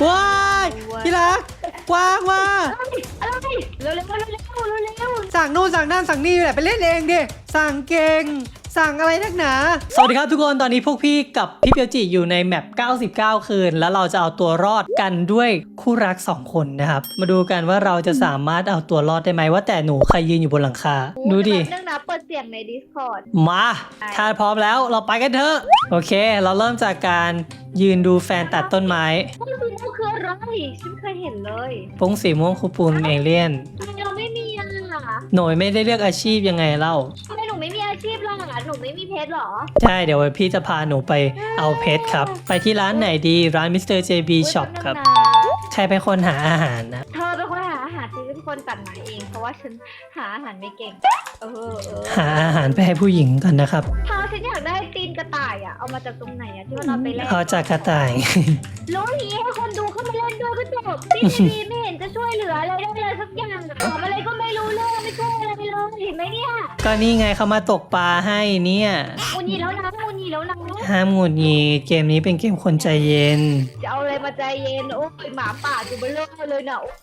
ว้ายที่รักกวางมาอะไรเร็วสั่งนู่นสั่งนั่นสั่งนี่แหละไปเล่นเองดิสั่งเก่งสั่งอะไรนักหนาสวัสดีครับทุกคนตอนนี้พวกพี่กับพี่เปียวจิอยู่ในแมป99 คืนแล้วเราจะเอาตัวรอดกันด้วยคู่รัก2 คนนะครับมาดูกันว่าเราจะสามารถเอาตัวรอดได้ไหมว่าแต่หนูใครยืนอยู่บนหลังคาดูดิเรื่องนะเปิดเสียงใน Discord มาถ้าพร้อมแล้วเราไปกันเถอะโอเคเราเริ่มจากการยืนดูแฟนตัดต้นไม้มันคืออะไรฉันเคยเห็นเลยปุ้งสีม่วงคูปูนเอเลี่ยนทำไมเราไม่มีอ่ะหน่ยไม่ได้เลือกอาชีพยังไงเล่าทำไมหนูไม่มีอาชีพล่ะหนูไม่มีเพชรหรอใช่เดี๋ยวพี่จะพาหนูไปเอาเพชรครับไปที่ร้านไหนดีร้าน Mr. JB Shop ครับใครเป็นคนหาอาหารนะเธอเป็นคนหาอาหารฉันเป็นคนตัดไม้เองเพราะว่าฉันหาอาหารไม่เก่งหาอาหารไปให้ผู้หญิงกันนะครับถ้าฉันอยากได้ตีนกระต่ายอ่ะเอามาจากตรงไหนอ่ะที่ว่าเราไปเล่นเอาจากกระต่ายรู้อย่างนี้ให้คนดูเข้ามาเล่นด้วยก็จบพี่ดีไม่เห็นจะช่วยเหลืออะไรได้เลยสักอย่างทำอะไรก็ไม่รู้เรื่องไม่ช่วยอะไรเลยเห็นไหมเนี่ยก็นี่ไงเขามาตกปลาให้เนี่ยอุนีแล้วนะอุนีแล้วนะห้ามหงุดหงิดเกมนี้เป็นเกมคนใจเย็นจะเอาอะไรมาใจเย็นโอ้ยหมาป่าจูเบลเลอร์เลยเนาะ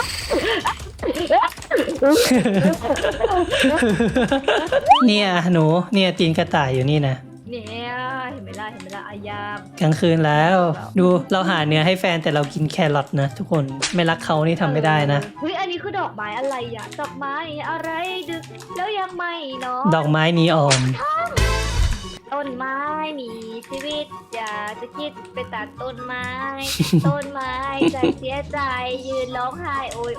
เนี่ยหนูเนี่ยตีนกระต่ายอยู่นี่นะเนี่ยเห็นไหมล่ะอายามกลางคืนแล้วดูเราหาเนื้อให้แฟนแต่เรากินแครอทนะทุกคนไม่รักเขานี่ทำไม่ได้นะเฮ้ยอันนี้คือดอกไม้อะไรอ่ะดอกไม้อะไรดึกแล้วยังไม่เนาะดอกไม้นีออนต้นไม้มีชีวิตอยากจะคิดไปตัดต้นไม้ ต้นไม้ใจเสียใจยืนร้องไห้โอย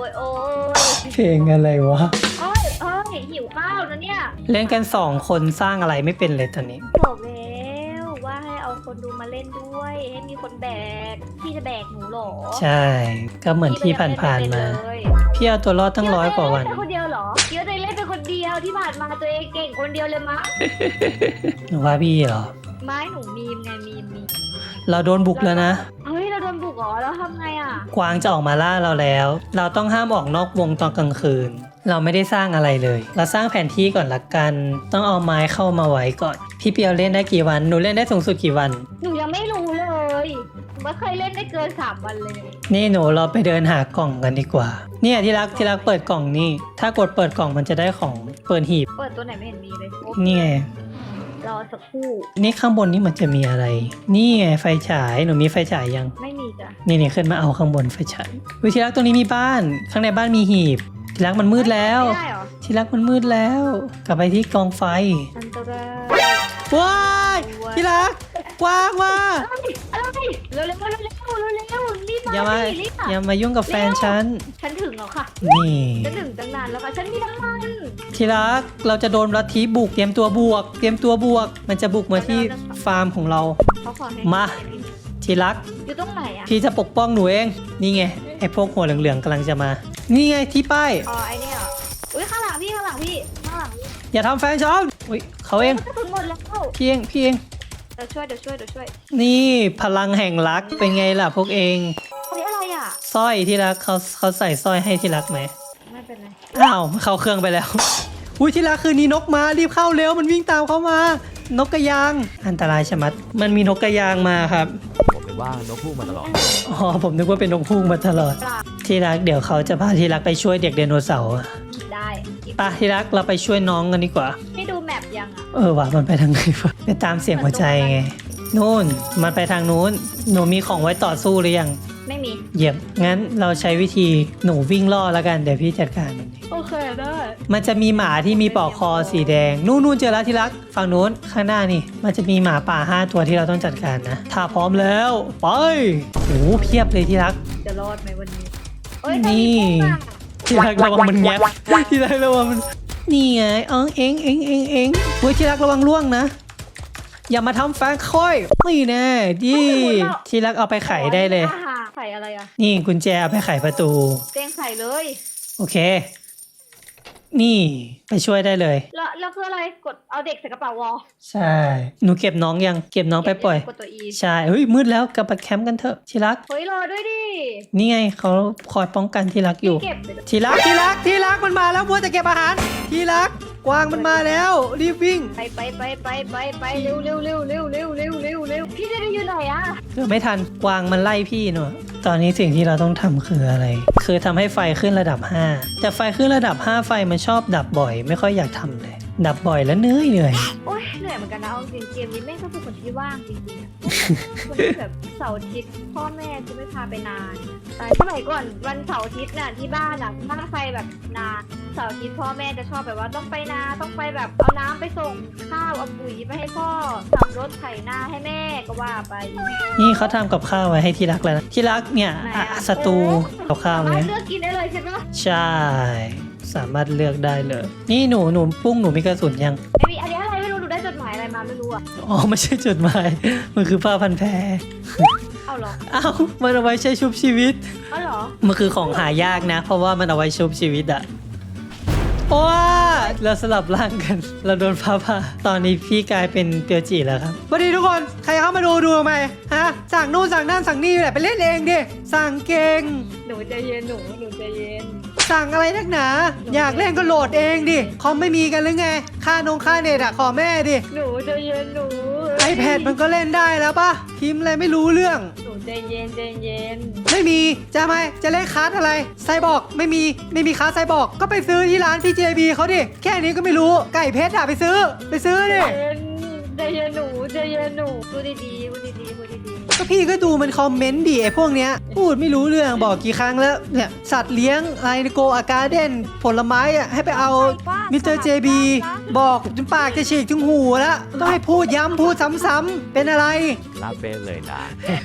เพลงอะไรวะเอ้ยหิวข้าวนะเนี่ยเล่นกัน2 คนสร้างอะไรไม่เป็นเลยตอนนี้บอกแล้วว่าให้เอาคนดูมาเล่นด้วยให้มีคนแบกพี่จะแบกหนูเหรอใช่ก็เหมือนที่ผ่านๆมาพี่เอาตัวรอดตั้ง100 กว่าวันเล่นคนเดียวเหรอเดี๋ยวตัวเองเล่นเป็นคนเดียวที่ผ่านมาตัวเองเก่งคนเดียวเลยมั้งหนูว่าพี่เหรอไม้หนูมีมไงมีมเราโดนบุกแล้วนะเฮ้ยเราโดนบุกเหรอแล้วทำไงอ่ะกวางจะออกมาล่าเราแล้ว เราต้องห้ามออกนอกวงตอนกลางคืน เราไม่ได้สร้างอะไรเลย เราสร้างแผนที่ก่อนละกัน ต้องเอาไม้เข้ามาไว้ก่อน พี่เปียวเล่นได้กี่วันหนูเล่นได้สูงสุดกี่วันหนูยังไม่รู้เลยไม่เคยเล่นได้เกิน3 วันเลยนี่หนูเราไปเดินหากล่องกันดีกว่าเนี่ยที่รักเปิดกล่องนี่ถ้ากดเปิดกล่องมันจะได้ของเปิดหีบเปิดตัวไหนไม่เห็นมีเลยโอ้นี่ไงรอสักครู่นี่ข้างบนนี่มันจะมีอะไร นี่ไงไฟฉายหนูมีไฟฉายยังไม่มีจ้ะนี่ขึ้นมาเอาข้างบนไฟฉายวิที่รักตรงนี้มีบ้านข้างในบ้านมีหีบที่รักมันมืดแล้วไม่ได้เหรอที่รักมันมืดแล้ว กลับไปที่กองไฟอันตรายว้ายที่รักกวางมาอะไรเร็วรีบอย่ามามารีบอย่ามายุ่งกับแฟนฉันฉันถึงแล้วค่ะนี่ฉันถึงตั้งนานแล้วค่ะฉันมีน้ำมันที่รักเราจะโดนลัทธิบุกเตรียมตัวบวก มันจะบุกมาที่ฟาร์มของเราเขาขอให้มา ที่รักอยู่ตรงไหนอ่ะพี่จะปกป้องหนูเองนี่ไงไอ้พวกหัวเหลืองๆกำลังจะมา นี่ไงที่ป้ายอ๋อไอเนี่ยเหรออุ้ยข้างหลังพี่อย่าทำแฟนฉันอุ้ยเขาเองกระสุนหมดแล้วพี่เองเดี๋ยวช่วยนี่พลังแห่งรักเป็นไงล่ะพวกเองอันนี้อะไรอ่ะสร้อยที่รักเขาใส่สร้อยให้ที่รักไหมไม่เป็นไรอ้าวเข้าเครื่องไปแล้ว อุ้ยที่รักคืนนี้นกมารีบเข้าเร็วมันวิ่งตามเขามา นกกระยางอันตรายชะมัดมันมีนกกระยางมาครับผมเป็นว่านกพูกมาตลอดอ๋อผมนึกว่าเป็นนกพุ่งมาตลอดปลาที่รักเดี๋ยวเขาจะพาที่รักไปช่วยเด็กไดโนเสาร์อะได้ไปที่รักเราไปช่วยน้องกันดีกว่าให้ดูแมปยังอ่ะว่ะมันไปทางไหนวะไปตามเสียงหัวใจไงนู่นมันไปทางนู้นหนูมีของไว้ต่อสู้หรือยังไม่มีเยี่ยมงั้นเราใช้วิธีหนูวิ่งล่อแล้วกันเดี๋ยวพี่จัดการมันเองโอเคได้มันจะมีหมาที่มีปลอกคอสีแดงนู่นเจอแล้วที่รักฝั่งนู้นข้างหน้านี่มันจะมีหมาป่า5 ตัวที่เราต้องจัดการนะถ้าพร้อมแล้วไปโอ้เพียบเลยที่รักจะรอดไหมวันนี้เอ้ยนี่ ที่รักระวังมันแงบที่รักระวังมันนี่ไงเอ็งเว้ยที่รักระวังล่วงนะอย่ามาทำแฟนค่อยนี่แน่ดิที่รักเอาไปไขได้เลยไข่อะไรอ่ะนี่กุญแจเอาไปไขประตูเตียงไข่เลยโอเค นี่ไปช่วยได้เลยแล้วคืออะไรกดเอาเด็กใส่กระเป๋าวอลใช่หนูเก็บน้องยังเก็บน้องไปปล่อยกดตัว E ใช่เฮ้ยมืดแล้วกลับไปแคมป์กันเถอะที่รักเฮ้ยรอด้วยดินี่ไงเขาคอยป้องกันที่รักอยู่เก็บไปที่รักมันมาแล้วมัวจะเก็บอาหารที่รักกวางมันมาแล้วรีบวิ่งไปเร็วพี่จะได้อยู่ไหนอะเกือบไม่ทันกวางมันไล่พี่หนูตอนนี้สิ่งที่เราต้องทำคืออะไร คือทำให้ไฟขึ้นระดับ 5แต่ไฟขึ้นระดับ 5ไฟมันชอบดับบ่อย ไม่ค่อยอยากทำเลย ดับบ่อยแล้วเหนื่อยโอ๊ยเหนื่อยเหมือนกันนะเอาจริงเกมนี้แม่งก็เป็นคนที่ว่างจริงๆอะคนที่แบบเสาร์อาทิตย์พ่อแม่จะไม่พาไปนานแต่สมัยก่อนวันเสาร์อาทิตย์น่ะที่บ้านอ่ะถ้าใครแบบนาเสาร์อาทิตย์พ่อแม่จะชอบแบบว่าต้องไปนาต้องไปแบบเอาน้ำไปส่งข้าวเอาปุ๋ยไปให้พ่อขับรถไถนาให้แม่ก็ว่าไปนี่เขาทำกับข้าวไว้ให้ที่รักแล้วนะที่รักเนี่ยไหนอะสตูกับข้าวสามารเนี่ถยเลือกกินได้เลยใช่ปะใช่ สามารถเลือกได้เลย นี่หนูปุ้งหนูมีกระสุนยังไม่มีอันนี้อะไรไม่รู้หนูได้จดหมายอะไรมาไม่รู้อ่ะอ๋อไม่ใช่จดหมาย มันคือผ้าพันแผลเอาเหรอเอ้ามันเอาไว้ใช้ชุบชีวิตเอาเหรอมันคือของหายากนะ เพราะว่ามันเอาไว้ชุบชีวิตอะว้าเราสลับร่างกัน เราโดนฟ้าผ่าตอนนี้พี่กลายเป็นเปียวจีแล้วครับสวัสดีทุกคน ใครเข้ามาดูทำไมฮะ สั่งนู่นสั่งนั่นสั่งนี่แหละไปเล่นเองดิ สั่งเก่งหนูใจเย็นหนูใจเย็นสั่งอะไรนักหนา อยากเล่นก็โหลดเองดิ คอมไม่มีกันหรือไง ค่าเน็ตอะขอแม่ดิหนูใจเย็นหนู iPad มันก็เล่นได้แล้วปะพิมพ์อะไรไม่รู้เรื่องหนูใจเย็นใจเย็นไม่มีจะไหมจะเล่นคลาสอะไรไซบอร์กไม่มีคลาสไซบอร์กก็ไปซื้อที่ร้าน TJB เขาดิแค่นี้ก็ไม่รู้ไก่เพชรอะไปซื้อดิใจเย็นหนูใจเย็นหนูพูดดีๆพูดดีๆพูดดีก็พี่ก็ดูมันคอมเมนต์ดิไอ้พวกเนี้ยพูดไม่รู้เรื่องบอกกี่ครั้งแล้วเนี่ยสัตว์เลี้ยงอะไรโกอาการ์เด้นผลไม้อะให้ไปเอามิสเตอร์เจบีบอกจนปากจะฉีกถึงหูแล้วต้องให้พูดย้ำพูดซ้ำๆเป็นอะไรรับเป็นเลยนะ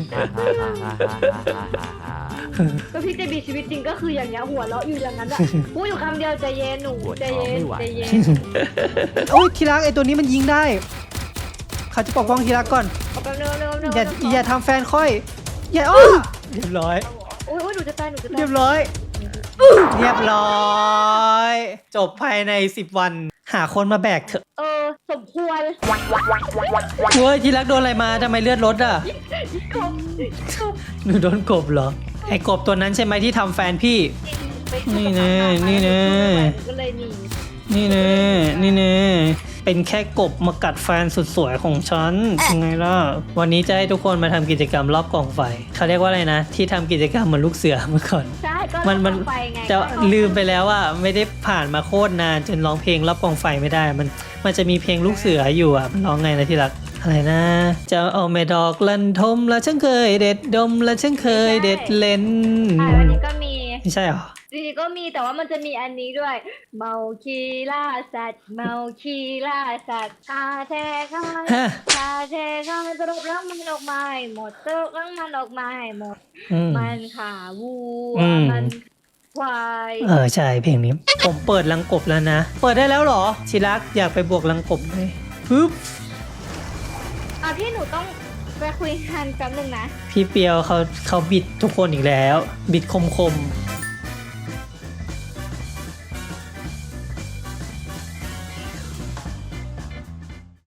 ๆก็พี่จะมีชีวิตจริงก็คืออย่างเงี้ยหัวเราะอยู่อย่างนั้นอะพูดอยู่คำเดียวใจเย็นหนูใจเย็นใจเย็นโอ้ยทีรักไอ้ตัวนี้มันยิงได้เขาจะปกป้องทีรักก่อนเอาแป๊บนึงอย่าทำแฟนค่อย อย่าอ้อเรียบร้อยโอ้ยหนูจะตายหนูจะตายเรียบร้อย เรียบร้อย จบภายใน10 วัน หาคนมาแบกเถอะสมควรเว้ยทีรักโดนอะไรมาทำไมเลือดลดอ่ะกบหนูโดนกบเหรอ ไอ้กบตัวนั้นใช่ไหมที่ทำแฟนพี่ นี่แน่นี่แน่ก็เลยหนีนี่แน่เป็นแค่กบมากัดแฟนสุดสวยของฉันยังไงล่ะ วันนี้จะให้ทุกคนมาทำกิจกรรมรอบกองไฟ เขาเรียกว่าอะไรนะ ที่ทำกิจกรรมเหมือนลูกเสือเมื่อก่อนใช่ก็มันไปไงจะลืมไปแล้วว่าไม่ได้ผ่านมาโคตรนานจนร้องเพลงรอบกองไฟไม่ได้ มันจะมีเพลงลูกเสืออยู่อ่ะมันร้องไงนะที่รักอะไรนะ จะเอาแม่ดอกลันทมแล้วฉันเคยเด็ดดมแล้วฉันเคยเด็ดเล่นวันนี้ก็มีไม่ใช่หรอจริงๆก็มีแต่ว่ามันจะมีอันนี้ด้วย เมาคีล่าสัตว์เมาคีล่าสัตว์คาแทข้างฮะคาแทข้างตรบรังมันออกมาให้หมดตรบรังมันออกมาให้หมดอืมมันขาวัวอืมมันควายใช่เพลงนี้ ผมเปิดลังกบแล้วนะ เปิดได้แล้วเหรอชิรักอยากไปบวกลังกบเลยปึ๊บพี่หนูต้องไปคุยกันแป๊บนึงนะพี่เปียวเขาบิดทุกคนอีกแล้ว บิดคม